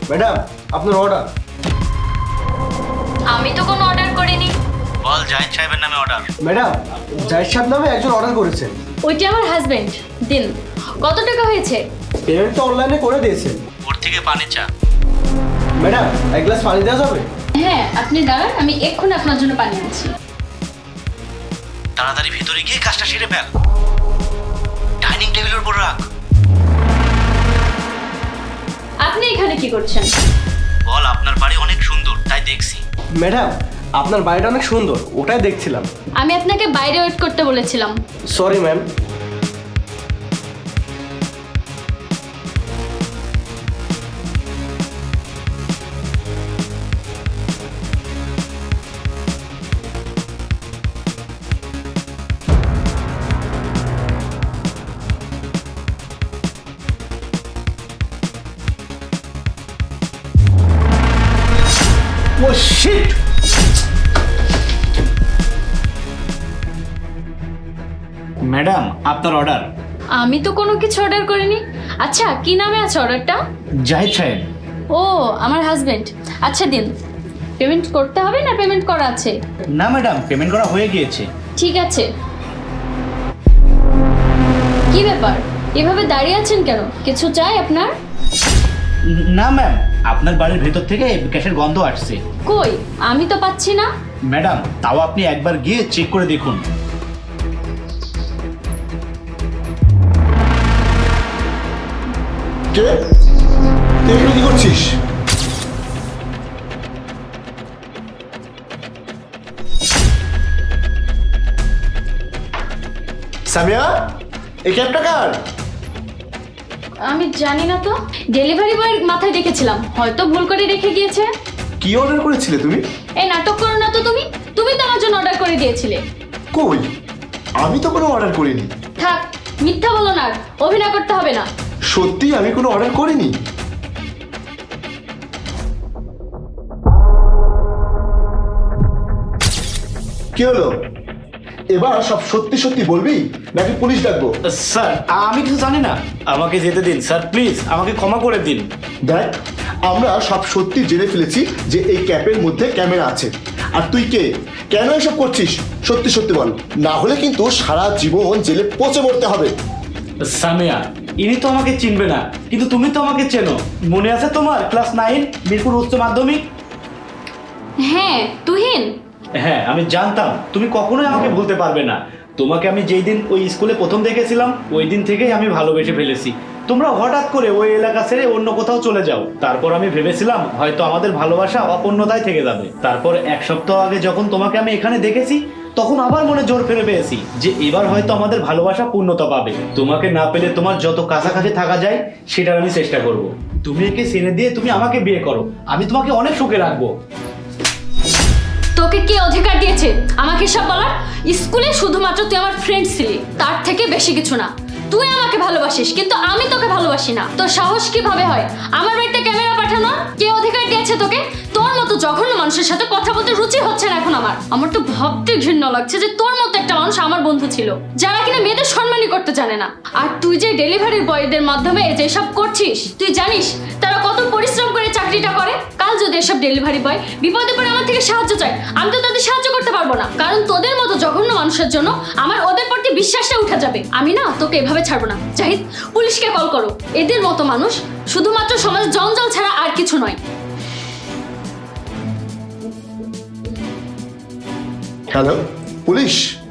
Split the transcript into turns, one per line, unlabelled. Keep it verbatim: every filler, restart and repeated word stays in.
Madam আপনার order.
আমি তো কোনো অর্ডার করিনি।
বল জাহিদ সাহেবের নামে অর্ডার।
ম্যাডাম জাহিদ সাহেব নামে একজন অর্ডার করেছেন।
ওইটি আমার হাজবেন্ড। দিন। কত টাকা হয়েছে?
পেমেন্ট তো অনলাইনে করে দিয়েছেন।
ওর থেকে পানি চা।
ম্যাডাম এক গ্লাস পানি দেওয়া যাবে?
হ্যাঁ, আপনি দাঁড়ান, আমি এক্ষুনি আপনার জন্য পানি আনছি।
তাড়াতাড়ি ভিতরে গিয়ে কাজটা সেরে ফেল। ডাইনিং টেবিলের উপর রাখ।
আপনি এখানে কি করছেন?
বল আপনার বাড়ি অনেক সুন্দর তাই দেখছি।
ম্যাডাম আপনার বাড়িটা অনেক সুন্দর, ওটাই দেখছিলাম।
আমি আপনাকে বাইরে ওয়েট করতে বলেছিলাম।
Sorry ma'am. Oh shit!
Madam আপনার অর্ডার।
আমি তো কোনো কিছু অর্ডার করিনি। আচ্ছা, কি নামে আছে অর্ডারটা?
জাহিদ সাহেব।
ও, আমার হাজবেন্ড। আচ্ছা দিন। পেমেন্ট করতে হবে না পেমেন্ট করা আছে?
না ম্যাডাম, পেমেন্ট করা হয়ে গিয়েছে।
ঠিক আছে। কি ব্যাপার, এভাবে দাঁড়িয়ে আছেন কেন? কিছু চাই আপনার?
না ম্যাম, আপনার বাড়ির ভেতর থেকে গ্যাসের গন্ধ আসছে।
কই, আমি তো পাচ্ছি না।
ম্যাডাম তাও আপনি একবার গিয়ে চেক করে দেখুন।
কে? তুই এখানে কি করছিস? সামিয়া, এই ক্যাবটা কার?
আমি জানি না তো, ডেলিভারি বয়ের মাথায় রেখেছিলাম, হয়তো ভুল করে রেখে গিয়েছে।
কি অর্ডার করেছিলে তুমি?
এই নাটক করো না তো তুমি। তুমি তো আমার জন্য অর্ডার করে দিয়েছিলে।
কই, আমি তো কোনো অর্ডার করিনি।
থাক, মিথ্যা বলো না, আর অভিনয় করতে হবে না।
সত্যি আমি কোনো অর্ডার করিনি। কি হলো, এবার সব সত্যি সত্যি বলবি নাকি পুলিশ ডাকবো?
স্যার আমি কিছু জানি না, আমাকে যেতে দিন স্যার, প্লিজ আমাকে ক্ষমা করে দিন।
দেখ, আমরা সব সত্যি জেনে ফেলেছি যে এই ক্যাপের মধ্যে ক্যামেরা আছে। আর তুই কে, কেন এসব করছিস? সত্যি সত্যি বল, না হলে কিন্তু সারা জীবন জেলে পচে মরতে হবে।
সামিয়া, ইনি তো আমাকে চিনবে না, কিন্তু তুমি তো আমাকে চেনো। মনে আছে তোমার ক্লাস নাইন মিরপুর উচ্চ মাধ্যমিক?
হ্যাঁ, তুহিন।
হ্যাঁ, আমি জানতাম তুমি কখনোই আমাকে ভুলতে পারবে না। তোমাকে আমি যেই দিন ওই স্কুলে প্রথম দেখেছিলাম ওই দিন থেকেই আমি ভালোবেসে ফেলেছি। তোমরা হঠাৎ করে ওই এলাকা ছেড়ে অন্য কোথাও চলে যাও, তারপর আমি ভেবেছিলাম হয়তো আমাদের ভালোবাসা অপূর্ণতায় থেকে যাবে। তারপর এক সপ্তাহ আগে যখন তোমাকে আমি এখানে দেখেছি তখন আবার মনে জোর ফেলে পেয়েছি যে এবার হয়তো আমাদের ভালোবাসা পূর্ণতা পাবে। তোমাকে না পেলে তোমার যত কাছাকাছি থাকা যায় সেটার আমি চেষ্টা করব। তুমি একে ছেড়ে দিয়ে তুমি আমাকে বিয়ে করো, আমি তোমাকে অনেক সুখে রাখবো।
তোকে কে অধিকার দিয়েছে আমাকে সব বলার? স্কুলে শুধুমাত্র তুই আমার ফ্রেন্ড ছিলি, তার থেকে বেশি কিছু না। তুই আমাকে ভালোবাসিস কিন্তু আমি তোকে ভালোবাসি না। তোর সাহস কিভাবে হয় আমার বাড়িতে ক্যামেরা পাঠানো? কে অধিকার দিয়েছে তোকে? তোর মতো জঘন্য মানুষের সাথে কথা বলতে রুচি হচ্ছে না এখন আমার। আমার তো ভাবতে ঘৃণা লাগছে যে তোর মতো একটা মানুষ আমার বন্ধু ছিল, যারা কিনা মেয়েদের সম্মানই করতে জানে না। আর তুই যে ডেলিভারি বয়দের মাধ্যমে যেসব করছিস, তুই জানিস তারা কত পরিশ্রম করে চাকরিটা করে? কাল যদি এসব ডেলিভারি বয় বিপদে পড়ে আমার থেকে সাহায্য চায়, আমি তো তাদের সাহায্য করতে পারবো না, কারণ তোদের মতো জঘন্য মানুষের জন্য আমার ওদের প্রতি বিশ্বাসটা উঠে যাবে। আমি না তোকে এভাবে ছাড়বো না। জাহিদ, পুলিশকে কল করো। এদের মতো মানুষ শুধুমাত্র সমাজে জঞ্জাল ছাড়া আর কিছু নয়।
Hello, police?